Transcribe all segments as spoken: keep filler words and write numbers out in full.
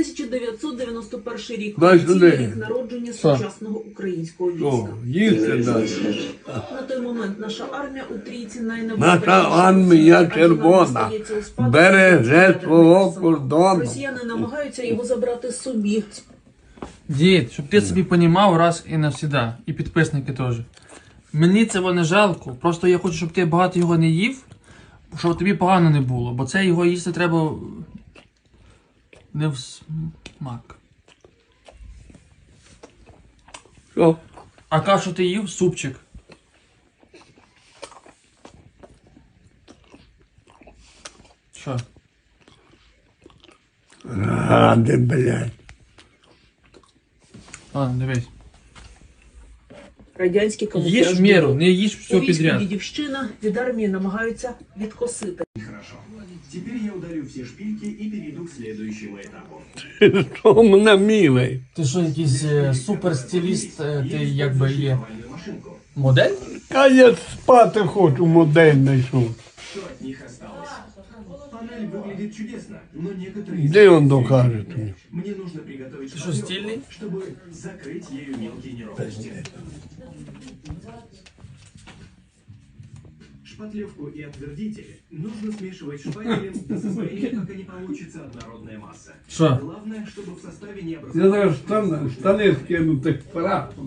тисяча дев'ятсот дев'яносто перший рік. Дай сюди. Рік народження Що? сучасного українського О, війська. їсти дай. На той момент наша армія у трійці Наша найнебезпечніша. армія Адже вона червона зостається у спадку береже від свого ядерних кордону. Росіяни намагаються його забрати собі. Дід, щоб ти собі понімав раз і навсіда. І підписники теж. Мені це не жалко. Просто я хочу, щоб ти багато його не їв, щоб тобі погано не було. Бо це його їсти треба не в смак. Що? А кашу ти їв? Супчик. Що? Ради, блядь. Ладно, дивись. Радянські камуфляжні Їж в міру, не їж все У війську підряд. дідівщина від армії намагаються відкосити. Хорошо. Теперь я удалю все шпильки и перейду к следующему этапу. Що мене милий? Ти що, якийсь е, суперстиліст, е, ти якби є Шифровальную машинку. модель? Та я спати хочу, модель знайшов. Что от них осталось? Панель выглядит чудесно, но некоторые... Де він докаже тобі? Мне нужно приготовить Ты что, шпаклевку, стильный? чтобы закрыть ею мелкие неровности. Шпатлевку и отвердители нужно смешивать шпателем до состояния, как они получится однородная масса. Що? Главное, чтобы в составе не Я образовалось... зараз штани, штани скину так прапом.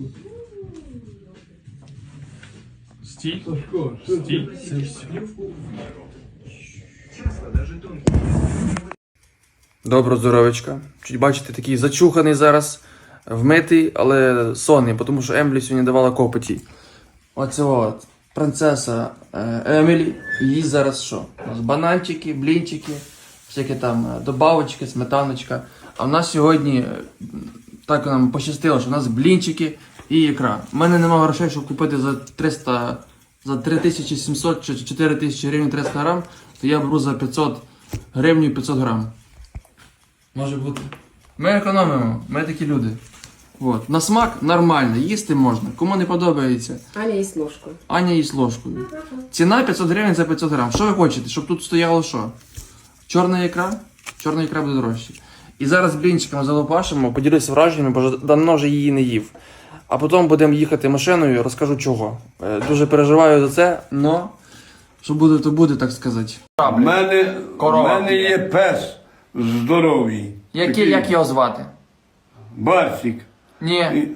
Стиль? Сашко, що Стиль. ти? Це все. Шпатлевку в меру. Часто даже тонкие... Добро, здоровечка. Чуть бачите, такий зачуханий зараз, вмитий, але сонний, тому що Емблі сьогодні давала копоті. Оце от, принцеса е, Емілі, їй зараз що? У нас бананчики, блінчики, всякі там е, добавочки, сметаночка. А в нас сьогодні, е, так нам пощастило, що в нас блінчики і ікра. У мене немає грошей, щоб купити за триста, за три тисячі сімсот чи чотири тисячі гривень триста грам, то я беру за п'ятсот гривень п'ятсот грам. Може бути. Ми економимо, ми такі люди. От. На смак нормально, їсти можна. Кому не подобається, Аня їсть ложкою. Аня їсть ложкою. Ціна п'ятсот гривень за п'ятсот грам. Що ви хочете? Щоб тут стояло що? Чорна ікра? Чорна ікра буде дорожче. І зараз блінчиками залопашимо, поділюся враженнями, бо вже давно вже її не їв. А потім будемо їхати машиною, розкажу чого. Е, Дуже переживаю за це, але що буде, то буде, так сказати. У мене, у Корова. мене є пес здоровий. Який, Такий як його звати? Барсик. Ні. І-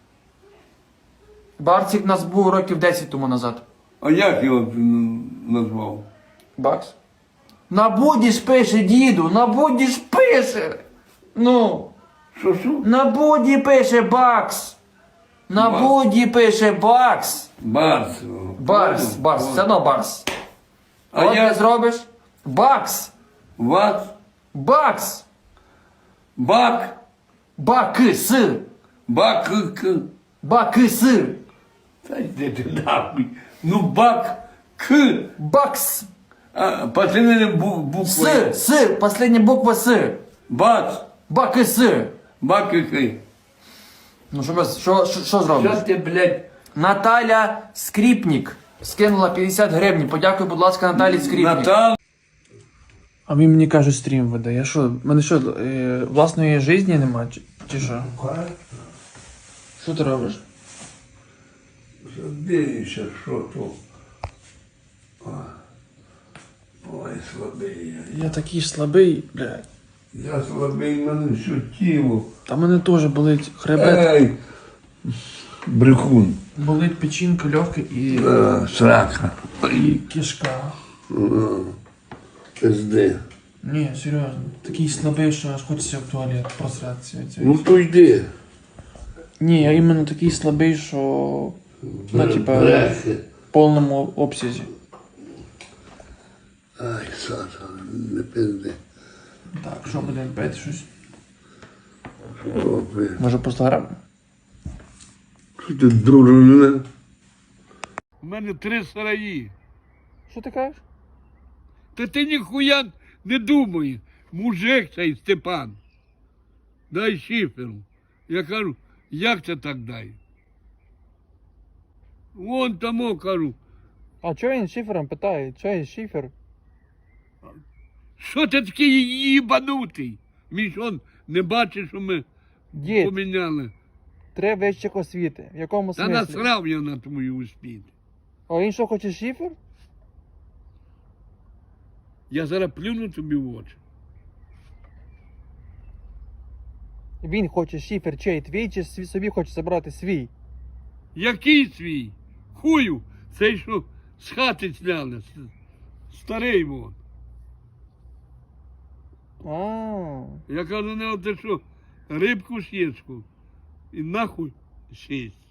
Барсик у нас був років десять тому назад. А як його м, назвав? Бакс? На буді ж пише, діду, на буді ж пише. Ну, Що що? на буді пише Бакс. На Бакс. буді пише Бакс. Барс. Барс, Барс, все одно Барс. А От я- ти зробиш? Бакс. Вас? Бакс. Бак? Бакс. Бак? Бакс. Та йди ти нахуй. Ну бак. К. Бакс. А, последня бу- буква. С. С. Последня буква С. Бац. Бакс. Бак який. Ну що, без- що, що, що зробиш? Що ти, блядь? Наталя Скріпнік скинула п'ятдесят гривень. Подякуй, будь ласка, Наталі Скріпнік. Натал. А він мені каже, стрім веде. Я що, в мене що, е, власної житті нема, чи, чи що? Що ти робиш? Дивіться, що то. О. Ой, слабий я. Я такий слабий, блядь. Я слабий, в мене все тіло. Та мене теж болить хребет, Ей, брехун. болить печінка, легке і, А, срака. і кишка. Пизди. Ні, серйозно. Такий слабий, що аж хочеться в туалет просратися. Ну то йди. Ні, я іменно такий слабий, що ну, типа, Брехи. в повному обсязі. Ай, сатана, не пизди. Так, що будемо пити щось? О, ви. Може по сто грам? Що ти дружина? У мене три сараї. Що ти кажеш? Та ти ніхуя не думай. Мужик цей Степан. Дай шиферу. Я кажу, як це так дай? Вон тому кажу, А чого він шифером питає? Чого є шифер? що ти такий їбанутий? Мій ж он Не бачиш, що ми Дід, поміняли. три вищих освіти. В якому Та смислі? насрав я на твою успіх. А він що хоче шифер? Я зараз плюну тобі в очі. Він хоче шифер чей твій, чи свій- собі хоче забрати свій? Який свій? Хую, цей, що з хати сняли. с- Старий вон. А, Я кажу, не ти що, рибку сєчку. І нахуй сість.